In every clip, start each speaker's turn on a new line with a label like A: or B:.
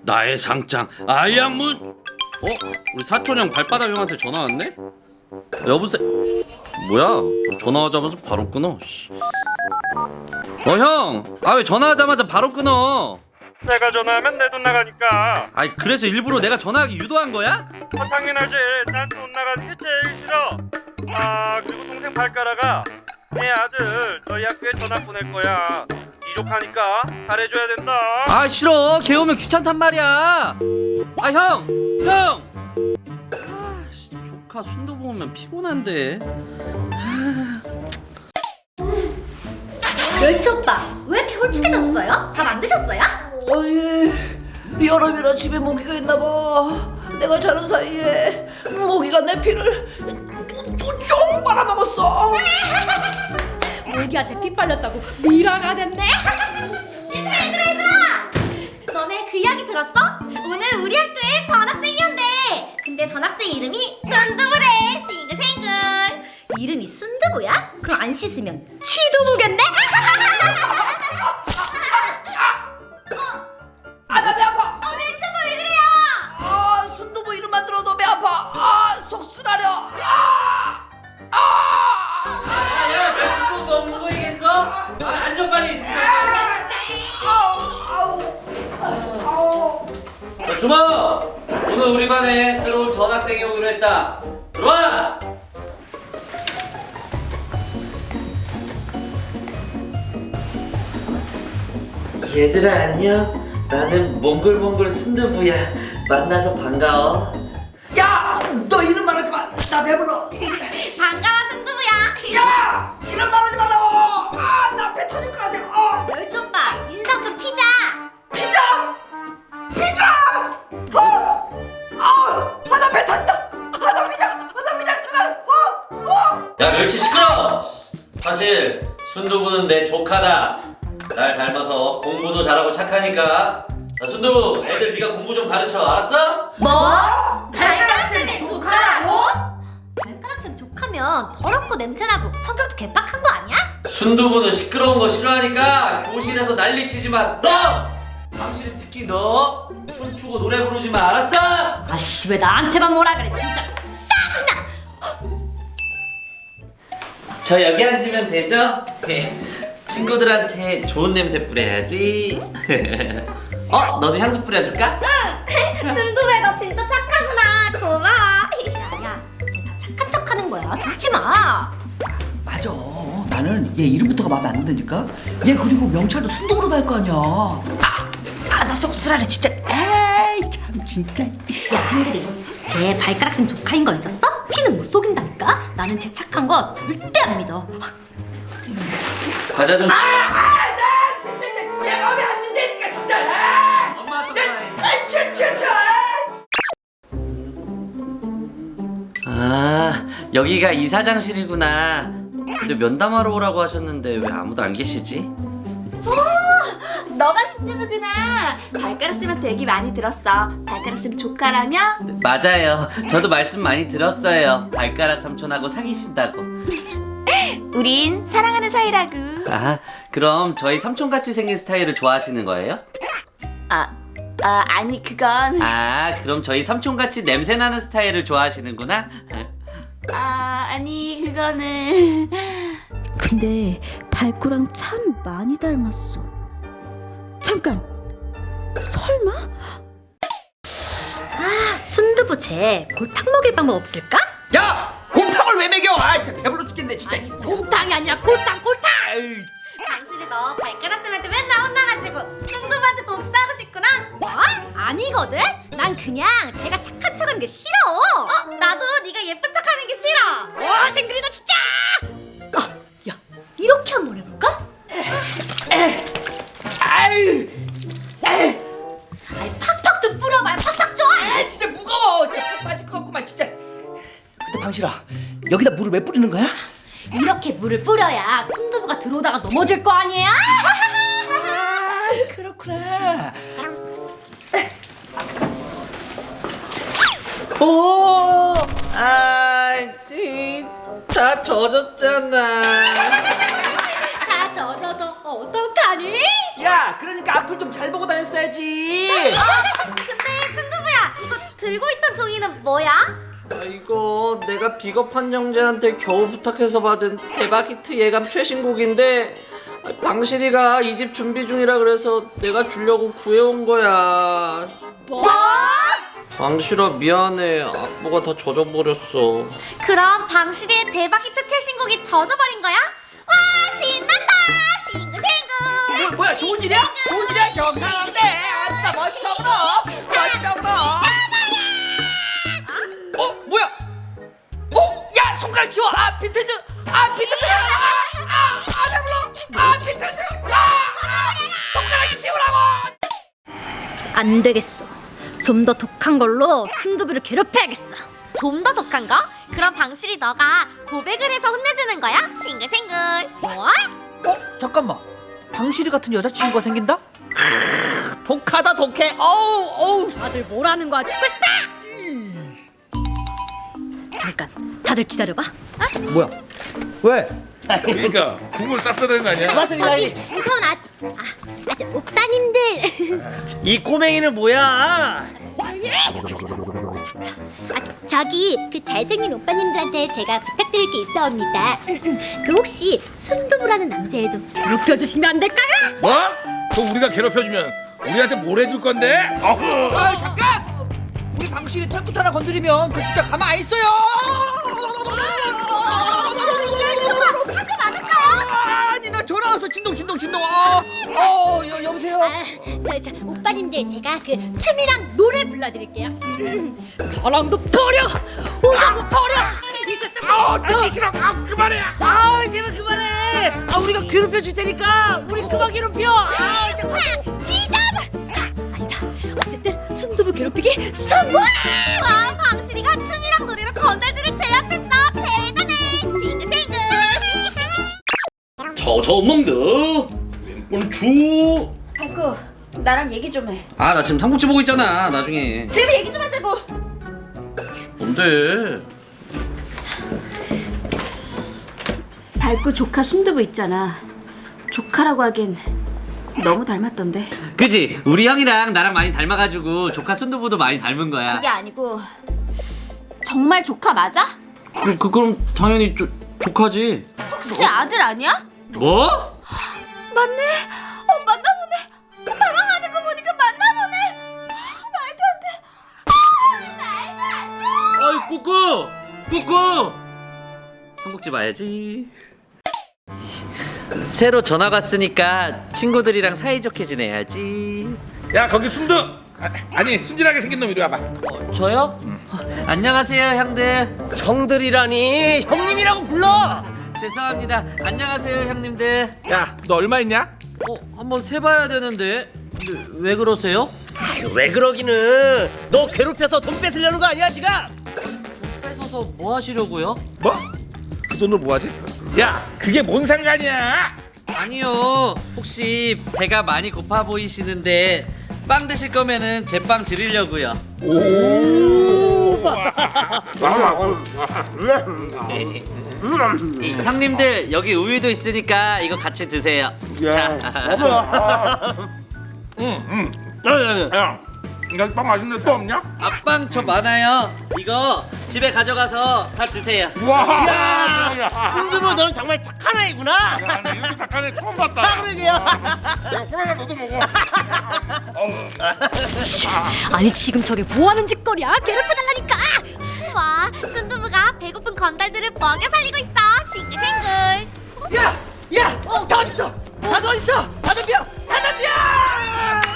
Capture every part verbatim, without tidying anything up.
A: 나의 상장 알량문. 어? 우리 사촌형 발바닥 형한테 전화 왔네? 여보세요? 뭐야? 전화하자마자 바로 끊어. 어 형! 아 왜 전화하자마자 바로 끊어?
B: 내가 전화하면 내 돈 나가니까.
A: 아이 그래서 일부러 내가 전화하기 유도한 거야?
B: 아, 당연하지. 난 돈 나가는 게 제일 싫어. 아 그리고 동생 발가락아, 내 아들 너희 학교에 전화 보낼 거야. 네 조카니까 잘해줘야 된다.
A: 아 싫어. 걔 오면 귀찮단 말이야. 아 형! 형! 아 씨, 조카 순두부 오면 피곤한데.
C: 멸치 오빠 왜 이렇게 홀쭉해졌어요? 밥 안 드셨어요?
D: 어이, 여름이라 집에 모기가 있나봐. 내가 자는 사이에 모기가 내 피를 쭉 빨아먹었어.
C: 모기한테 피 빨렸다고 미라가 됐네. 얘들아 얘들아 얘들아, 너네 그 이야기 들었어? 오늘 우리 학교에 전학생이었대. 근데 전학생 이름이 순두부래. 싱글싱글. 이름이 순두부야? 그럼 안 씻으면 취두부겠네?
D: 아, 나 배 아파.
C: 어, 멸치 오빠 왜 그래요?
D: 아, 순두부 이름만 들어도 배 아파. 아, 속 쓰라려. 아, 아,
A: 야 멸치국 뭐 먹어야겠어? 아 앉아 빨리.
D: 아우, 아우, 아우.
A: 자, 주모! 오늘 우리 반에 새로운 전학생이 오기로 했다. 들어와! 얘들아 안녕. 나는 몽글몽글 순두부야. 만나서 반가워.
D: 야, 너 이름 말하지 마. 나 배불러.
C: 반가워 순두부야.
D: 야, 이름 말하지 말라고. 아, 나 배 터질 것 같아. 어.
C: 멸치 오빠 인상 좀 피자.
D: 피자! 피자! 어! 아! 아, 나 배 터진다! 아, 나 피자! 아, 나 피자 쓰라! 어! 어!
A: 야 멸치 시끄러! 사실 순두부는 내 조카다. 날 닮아서 공부도 잘하고 착하니까. 자, 순두부 애들 네가 공부 좀 가르쳐. 알았어?
C: 뭐? 발가락쌤의 조카라고? 발가락쌤 조카면 더럽고 냄새나고 성격도 개빡한 거 아니야?
A: 순두부는 시끄러운 거 싫어하니까 교실에서 난리치지 마. 너! 당신이 특히 너 춤추고 노래 부르지 마. 알았어?
C: 아씨 왜 나한테만 뭐라 그래 진짜 짜증나.
A: 저 여기 앉으면 되죠? 친구들한테 좋은 냄새 뿌려야지. 어? 너도 향수 뿌려줄까?
C: 응. 순두배 너 진짜 착하구나. 고마워. 야야 쟤 다 착한 척하는 거야. 속지 마.
D: 맞아. 나는 얘 이름부터가 마음에 안 든다니까? 얘 그리고 명찰도 순두부로 달 거 아니야. 아! 아, 나 쏙쓰라래 진짜. 에이, 참 진짜.
C: 야 생글이 쟤 발가락쌤 조카인 거 잊었어? 피는 못 속인다니까. 나는 쟤 착한 거 절대 안 믿어.
A: 과자 좀.
D: 아, 아, 나 진짜 내, 내 마음에 안 든다니까 진짜. 아,
A: 엄마
D: 내, 아, 진짜 진짜.
A: 아 여기가 이사장실이구나. 근데 면담하러 오라고 하셨는데 왜 아무도 안 계시지?
E: 너가 순두부구나. 발가락쌤한테 얘기 많이 들었어. 발가락쌤 조카라며?
A: 맞아요. 저도 말씀 많이 들었어요. 발가락 삼촌하고 사귀신다고.
E: 우린 사랑하는 사이라고.
A: 아 그럼 저희 삼촌같이 생긴 스타일을 좋아하시는 거예요?
E: 아, 아 아니 그건
A: 아 그럼 저희 삼촌같이 냄새나는 스타일을 좋아하시는구나.
E: 아 아니 그거는
F: 근데 발코랑 참 많이 닮았어. 잠깐, 설마?
C: 아 순두부 쟤 골탕 먹일 방법 없을까?
D: 야, 곰탕을 왜 먹여? 아, 진짜 배불러 죽겠네 진짜.
C: 곰탕이 아니라 골탕 골탕.
D: 아이,
C: 당신이 너 발가락쌤한테 맨날 혼나가지고 순두부한테 복수하고 싶구나? 뭐? 아니거든? 난 그냥 제가 착한 척하는 게 싫어. 어? 나도 네가 예쁜 척하는 게 싫어. 와 생글이 너 진짜. 어, 야 이렇게 한번 해볼까?
D: 아이, 아이,
C: 아니 팍팍 좀 뿌려봐요. 팍팍 좀.
D: 아, 진짜 무거워. 진짜 팍 빠질 것 같구만 진짜. 근데 방실아, 여기다 물을 왜 뿌리는 거야?
C: 이렇게 물을 뿌려야 순두부가 들어오다가 넘어질 거 아니에요?
D: 아, 그렇구나.
A: 오, 아, 다 젖었잖아.
C: 다 젖어서 어떡하니?
D: 야, 그러니까 앞을 좀 잘 보고 다녔어야지.
C: 어? 들고 있던 종이는 뭐야?
A: 아, 이거 내가 비겁한 형제한테 겨우 부탁해서 받은 대박 히트 예감 최신곡인데 아, 방실이가 이 집 준비 중이라 그래서 내가 주려고 구해온 거야.
C: 뭐?
A: 방실아 미안해. 악보가 다 젖어버렸어.
C: 그럼 방실이의 대박 히트 최신곡이 젖어버린 거야? 와 신난다 싱글싱글
D: 이거 뭐야 좋은 일이야? 좋은 일이야 경상한데 아싸 멋쩍으로 멋쩍으로 어 뭐야 어? 야 손가락 치워 아 비틀즈 아 비틀즈 아아 잡으러 아 비틀즈 아 손가락 치우라고
C: 안 되겠어. 좀 더 독한 걸로 순두부를 괴롭혀야겠어. 좀 더 독한 거? 그럼 방실이 너가 고백을 해서 혼내주는 거야? 싱글싱글. 뭐?
D: 어? 잠깐만 방실이 같은 여자친구가 생긴다? 독하다 독해 어우 어우
C: 다들 뭐라는 거야? 죽고 싶다! 잠깐, 다들 기다려봐.
D: 뭐야 왜?
G: 그러니까 국물 쌌어야 되는 거 아니야?
C: 저기 무서운 아, 아, 아, 저 오빠님들.
A: 이 꼬맹이는 뭐야?
C: 아, 저기 그 잘생긴 오빠님들한테 제가 부탁드릴 게 있어옵니다. 그 혹시 순두부라는 남자애 좀 괴롭혀주시면 안 될까요?
G: 뭐? 또 우리가 괴롭혀주면 우리한테 뭘 해줄 건데? 어후.
D: 아 잠깐! 우리 방실이 털끝 하나 건드리면 저 진짜 가만 안 있어요
C: 한대 맞았어요.
D: 아니 나 전화 왔어 진동 진동 진동 어, 어 여, 여보세요
C: 아, 저, 저 오빠님들 제가 그 춤이랑 노래 불러드릴게요. 사랑도 버려, 우정도 버려. 이 세상
G: 아 듣기 싫어. 아 그만해.
D: 아 제발 그만해 아 우리가 괴롭혀 줄 테니까 우리 그만 괴롭혀 아
C: 정말 지잡을. 아, 아니다. 어쨌든 순두부 괴롭히기 성공. 와, 방실이가 춤이랑 노래로 건달들을 제압했어. 대단해. 싱글싱글.
A: 저저 엄멍드 주.
E: 발구 나랑 얘기 좀해.
A: 아 나 지금 삼국지 보고 있잖아. 나중에.
E: 지금 얘기 좀 하자고.
A: 뭔데?
E: 발구 조카 순두부 있잖아. 조카라고 하긴 너무 닮았던데.
A: 그지? 우리 형이랑 나랑 많이 닮아가지고 조카 순두부도 많이 닮은 거야.
E: 그게 아니고 정말 조카 맞아?
A: 그, 그 그럼 당연히 조, 조카지.
E: 혹시 아들 아니야?
A: 뭐?
E: 맞네. 어 맞나 보네. 당황하는 거 보니까 맞나 보네. 말도 안 돼.
A: 아이 꾸꾸 꾸꾸. 삼국지 봐야지. 새로 전학 왔으니까 친구들이랑 사이좋게 지내야지.
G: 야 거기 순두. 아, 아니 순진하게 생긴 놈 이리 와봐.
A: 어, 저요? 어, 안녕하세요 형들.
H: 형들이라니 형님이라고 불러.
A: 죄송합니다. 안녕하세요 형님들.
G: 야 너 얼마 있냐?
A: 어 한번 세봐야 되는데. 근데 왜 그러세요?
H: 아유, 왜 그러기는 너 괴롭혀서 돈 뺏으려는 거 아니야 지금?
A: 뺏어서 뭐 하시려고요?
G: 뭐? 그 돈을 뭐하지? 야 그게 뭔 상관이야?
A: 아니요. 혹시 배가 많이 고파 보이시는데 빵 드실 거면은 제 빵 드리려고요. 이, 형님들 여기 우유도 있으니까 이거 같이 드세요. 자.
G: 응응. 야 여기 빵 맛있는데 또 없냐?
A: 앞빵 저 많아요. 이거 집에 가져가서 다 드세요.
G: 와.
H: 순두부 너는 정말 착한 아이구나.
G: 야, 나 이렇게 착한 애 처음 봤다.
H: 아, 그러게요.
G: 야, 호랑아 너도 먹어.
C: 아니 지금 저게 뭐 하는 짓거리야? 괴롭혀달라니까. 와, 순두부가 배고픈 건달들을 먹여 살리고 있어. 싱글싱글.
D: 야! 야! 다 어딨어? 다들 어딨어? 다 덤벼! 다 덤벼!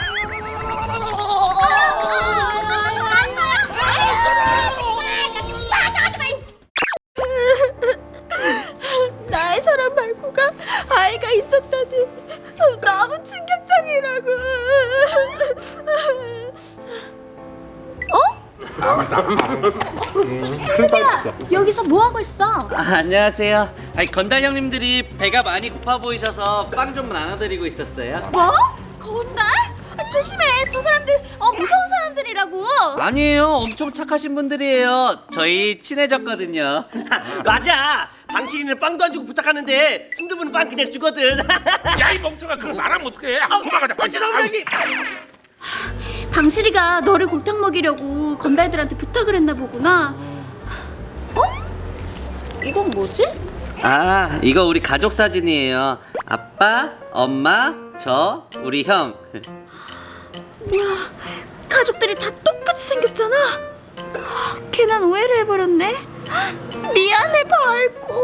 E: 나의 사랑 발구가 아이가 있었다니 너무 충격적이라고. 여기서 뭐 하고 있어?
A: 아, 안녕하세요. 아니, 건달 형님들이 배가 많이 고파 보이셔서 빵 좀 나눠드리고 있었어요.
E: 뭐? 건달? 아, 조심해. 저 사람들 어 무서운 사람들이라고.
A: 아니에요. 엄청 착하신 분들이에요. 저희 친해졌거든요.
H: 맞아. 방실이는 빵도 안 주고 부탁하는데 순두부는 빵 그냥 주거든.
G: 야 이 멍청아 그걸 말하면 어떡해? 아, 그만 가자.
H: 어, 죄송합니다 형님.
F: 방실이가 너를 골탕 먹이려고 건달들한테 부탁을 했나 보구나. 어? 이건 뭐지?
A: 아, 이거 우리 가족 사진이에요. 아빠, 엄마, 저, 우리 형.
F: 뭐야, 가족들이 다 똑같이 생겼잖아. 아, 괜한 오해를 해버렸네. 미안해 발구.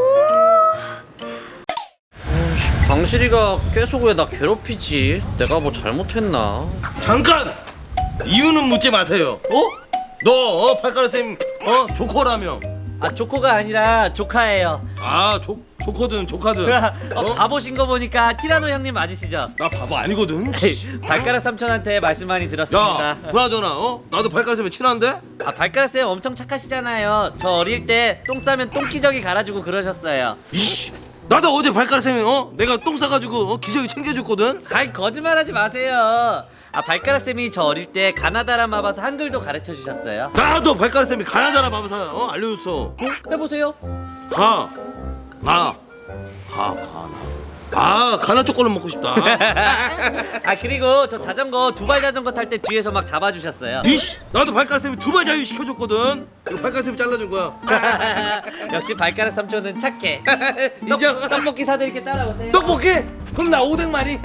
A: 방실이가 계속 왜 나 괴롭히지? 내가 뭐 잘못했나?
I: 잠깐! 이유는 묻지 마세요.
A: 어?
I: 너 어, 발가락 쌤 어? 조커라며.
J: 아 조커가 아니라 조카예요.
I: 아 조, 조커든 조카든.
J: 어, 바보신 거 보니까 티라노 형님 맞으시죠?
I: 나 바보 아니거든.
J: 발가락 삼촌한테 말씀 많이 들었습니다.
I: 야, 그나저나 어? 나도 발가락 쌤이 친한데?
J: 아 발가락 쌤 엄청 착하시잖아요. 저 어릴 때 똥 싸면 똥기저귀 갈아주고 그러셨어요.
I: 이씨, 나도 어제 발가락 쌤이 어? 내가 똥 싸가지고 어? 기저귀 챙겨줬거든.
J: 아이 거짓말하지 마세요. 아 발가락 쌤이 저 어릴 때 가나다라 마봐서 한글도 가르쳐 주셨어요.
I: 나도 발가락 쌤이 가나다라 마법사 어? 알려줬어. 어?
J: 해보세요.
I: 가, 나, 가, 가나. 아, 가나 초콜릿 먹고 싶다.
J: 아 그리고 저 자전거 두발 자전거 탈 때 뒤에서 막 잡아주셨어요.
I: 이씨, 나도 발가락 쌤이 두 발 자유 시켜줬거든. 이거 발가락 쌤이 잘라준 거야.
J: 역시 발가락 삼촌은 착해.
I: 인정.
J: 떡, 떡볶이 사드릴게 따라오세요.
I: 떡볶이? 그럼 나 오뎅 마리.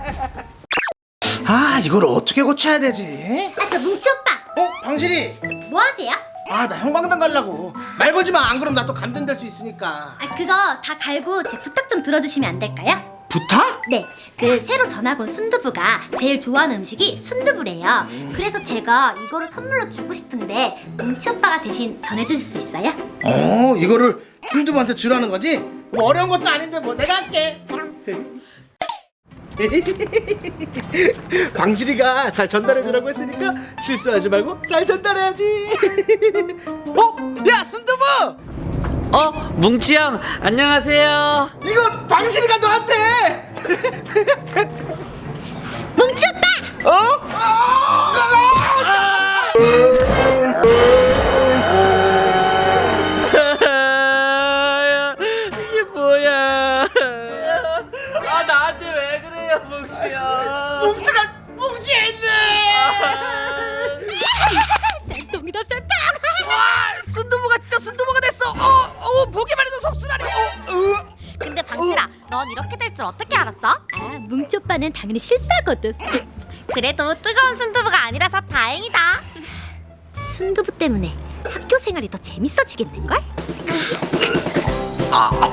K: 아 이걸 어떻게 고쳐야 되지?
C: 아, 저 뭉치 오빠.
K: 어? 방실이
C: 뭐 하세요?
K: 아 나 형광당 가려고. 말 걸지 마. 안 그럼 나 또 감전될 수 있으니까.
C: 아, 그거 다 갈고 제 부탁 좀 들어주시면 안 될까요?
K: 부탁?
C: 네, 그 새로 전학 온 순두부가 제일 좋아하는 음식이 순두부래요. 그래서 제가 이거를 선물로 주고 싶은데 뭉치 오빠가 대신 전해주실 수 있어요?
K: 어 이거를 순두부한테 주라는 거지? 뭐 어려운 것도 아닌데 뭐 내가 할게. 방실이가 잘 전달해주라고 했으니까 실수하지 말고 잘 전달해야지. 어? 야 순두부!
J: 어 뭉치 형 안녕하세요.
K: 이거 방실이가 너한테.
C: 뭉치 오빠!
K: 어?
J: 이게 뭐야? 아 나한테 왜 그래요 뭉치 형?
K: 뭉치가 뭉치했네.
C: 쌤통이다 쌤통!
J: 와 순두부가 진짜 순두부가 됐어. 어, 어 보기만 해도 속쓰라니. 어, 어.
C: 근데 방실아, 넌 이렇게 될 줄 어떻게 알았어? 아, 뭉치 오빠는 당연히 실수하거든. 그래도 뜨거운 순두부가 아니라서 다행이다. 순두부 때문에 학교 생활이 더 재밌어지겠는걸?
K: 아,